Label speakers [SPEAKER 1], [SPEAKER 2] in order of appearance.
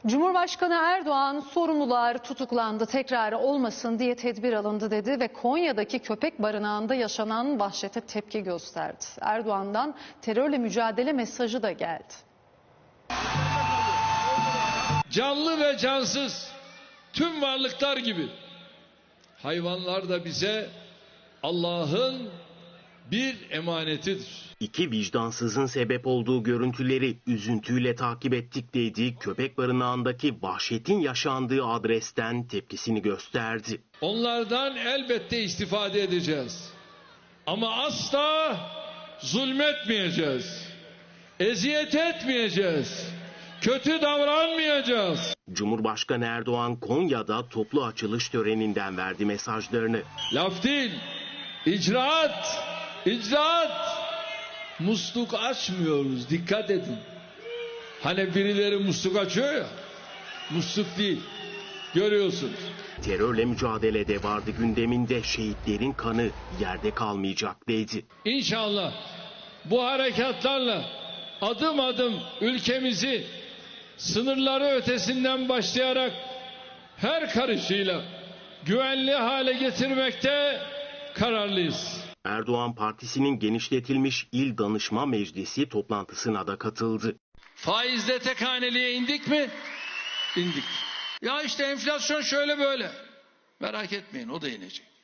[SPEAKER 1] Cumhurbaşkanı Erdoğan sorumlular tutuklandı, tekrarı olmasın diye tedbir alındı dedi ve Konya'daki köpek barınağında yaşanan vahşete tepki gösterdi. Erdoğan'dan terörle mücadele mesajı da geldi.
[SPEAKER 2] Canlı ve cansız tüm varlıklar gibi hayvanlar da bize Allah'ın bir emanetidir.
[SPEAKER 3] İki vicdansızın sebep olduğu görüntüleri üzüntüyle takip ettik dediği köpek barınağındaki vahşetin yaşandığı adresten tepkisini gösterdi.
[SPEAKER 2] Onlardan elbette istifade edeceğiz. Ama asla zulmetmeyeceğiz. Eziyet etmeyeceğiz. Kötü davranmayacağız.
[SPEAKER 3] Cumhurbaşkanı Erdoğan Konya'da toplu açılış töreninden verdi mesajlarını.
[SPEAKER 2] Laf değil, icraat, icraat. Musluk açmıyoruz, dikkat edin. Hani birileri musluk açıyor ya, musluk değil, görüyorsunuz.
[SPEAKER 3] Terörle mücadelede vardı gündeminde, şehitlerin kanı yerde kalmayacak dedi.
[SPEAKER 2] İnşallah bu harekatlarla adım adım ülkemizi sınırları ötesinden başlayarak her karışıyla güvenli hale getirmekte kararlıyız.
[SPEAKER 3] Erdoğan partisinin genişletilmiş İl Danışma Meclisi toplantısına da katıldı.
[SPEAKER 2] Faizde tek haneliğe indik mi? İndik. Ya işte enflasyon şöyle böyle. Merak etmeyin, o da inecek.